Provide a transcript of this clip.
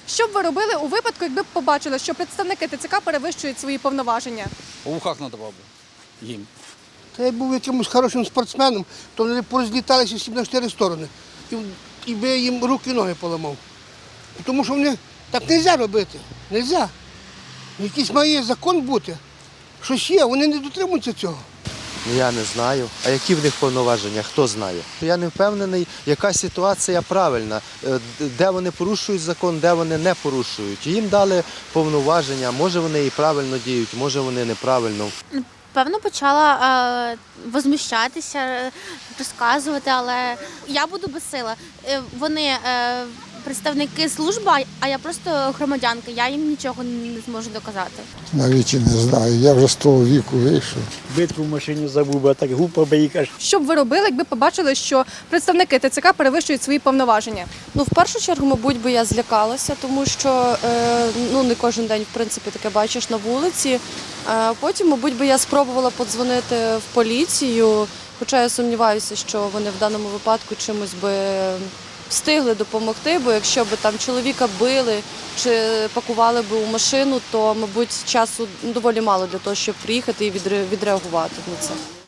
Що б ви робили у випадку, якби б побачили, що представники ТЦК перевищують свої повноваження? У вухах надавав би їм. Та я був якимось хорошим спортсменом, то вони порозліталися всі на 4 сторони. І би я їм руки і ноги поламав. Тому що вони так не можна робити. Не можна. Якийсь має закон бути. Щось є, вони не дотримуються цього. Я не знаю. А які в них повноваження, хто знає? Я не впевнений, яка ситуація правильна, де вони порушують закон, де вони не порушують. Їм дали повноваження, може вони і правильно діють, може вони неправильно. Певно, почала возмущатися, розказувати, але я буду безсила. Вони представники служби, а я просто громадянка, я їм нічого не зможу доказати. Навіть і не знаю, я вже з того віку вийшов. Битку в машині забув, а так гупав би і каже. Що б ви робили, якби побачили, що представники ТЦК перевищують свої повноваження? Ну, в першу чергу, мабуть, би я злякалася, тому що не кожен день, в принципі, таке бачиш на вулиці. Потім, мабуть, би я спробувала подзвонити в поліцію, хоча я сумніваюся, що вони в даному випадку чимось би встигли допомогти, бо якщо б там чоловіка били чи пакували б у машину, то, мабуть, часу доволі мало для того, щоб приїхати і відреагувати на це.